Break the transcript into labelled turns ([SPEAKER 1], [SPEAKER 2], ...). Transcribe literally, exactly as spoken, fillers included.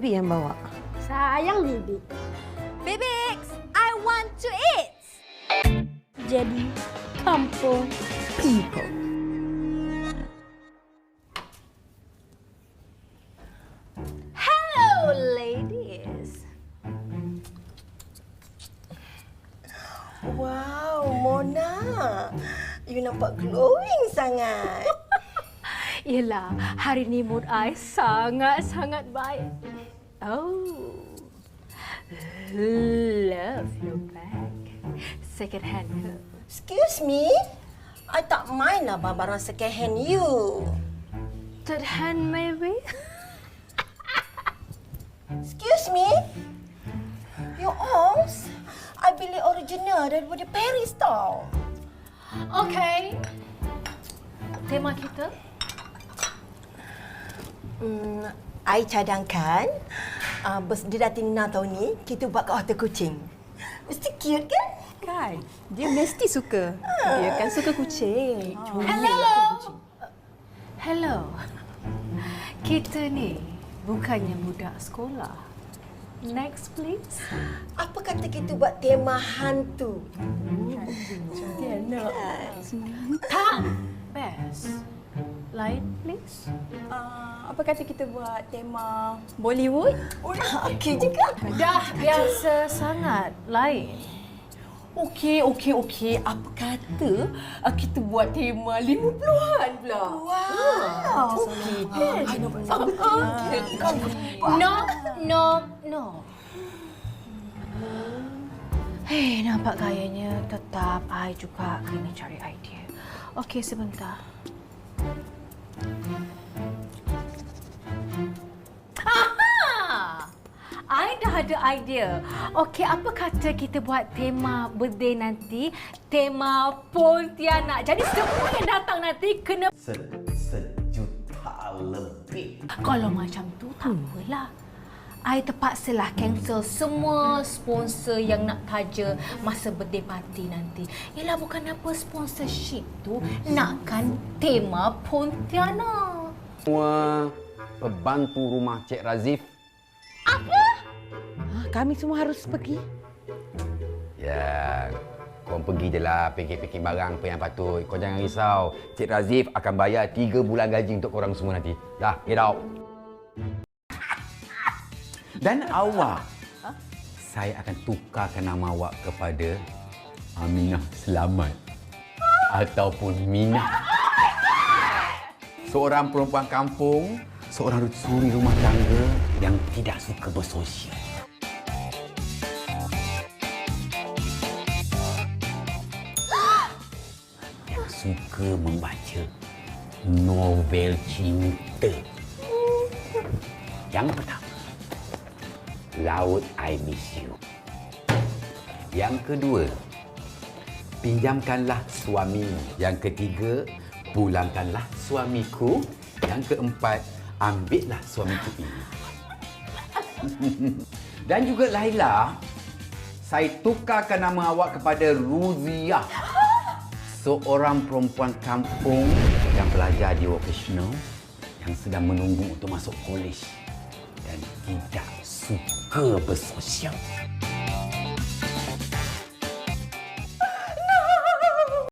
[SPEAKER 1] Bibi yang bawa.
[SPEAKER 2] Sayang Bibi.
[SPEAKER 3] Bibix, I want to eat.
[SPEAKER 2] Jadi kampung people.
[SPEAKER 3] Hello, ladies.
[SPEAKER 4] Wow, Mona. You nampak glowing sangat.
[SPEAKER 3] Yelah, hari ni mood I sangat-sangat baik. Oh, love your bag. Second hand ke?
[SPEAKER 4] Excuse me. I tak mind lah barang second hand you.
[SPEAKER 3] Third hand maybe?
[SPEAKER 4] Excuse me. Your arms, I beli original daripada Paris tau.
[SPEAKER 3] Okay. Tema kita?
[SPEAKER 4] Hmm, I cadangkan uh, birthday Datin Nina tahun ni kita buat kat hotel kucing. Mesti cute kan?
[SPEAKER 1] Kan? Dia mesti suka. Dia kan suka kucing.
[SPEAKER 3] Hello. Hello. Kita ni bukannya budak sekolah. Next please.
[SPEAKER 4] Apa kata kita buat tema hantu?
[SPEAKER 1] Dia nak.
[SPEAKER 3] Tak. Best. Lain please.
[SPEAKER 1] Uh, apa kata kita buat tema Bollywood?
[SPEAKER 4] Oh, okey juga.
[SPEAKER 3] Dah biasa sangat. Lain.
[SPEAKER 5] Okey, okey, okey. Apa kata uh, kita buat tema lima puluhan pula?
[SPEAKER 4] Wow.
[SPEAKER 5] Okey.
[SPEAKER 3] No, no, no. Hei, nampak gayanya tetap I juga kena cari idea. Okey, sebentar. Aha! I dah ada idea. Okey, apa kata kita buat tema birthday nanti, tema Pontianak. Jadi semua yang datang nanti kena...
[SPEAKER 6] Se- sejuta lebih.
[SPEAKER 3] Kalau macam tu, tak apalah. I terpaksalah cancel semua sponsor yang nak taja masa birthday party nanti. Yelah, bukan apa sponsorship tu nakkan tema Pontianak.
[SPEAKER 7] Semua pembantu rumah Cik Razif.
[SPEAKER 3] Apa?
[SPEAKER 1] Ha, kami semua harus pergi.
[SPEAKER 7] Ya, kau pergi je lah fikir-fikir barang apa yang patut. Kau jangan risau. Cik Razif akan bayar tiga bulan gaji untuk korang semua nanti. Dah, get out. Dan awak, ha? Saya akan tukarkan nama awak kepada Aminah Selamat ataupun Minah. Seorang perempuan kampung, seorang suri rumah tangga yang tidak suka bersosial. Yang suka membaca novel cinta. Yang pertama, Laut I Miss You. Yang kedua, pinjamkanlah suami. Yang ketiga, pulangkanlah suamiku. Yang keempat, ambillah suamiku ini. Dan juga Laila, saya tukarkan nama awak kepada Ruziah. Seorang perempuan kampung yang belajar di vocational yang sedang menunggu untuk masuk kolej dan tidak suka bersosial.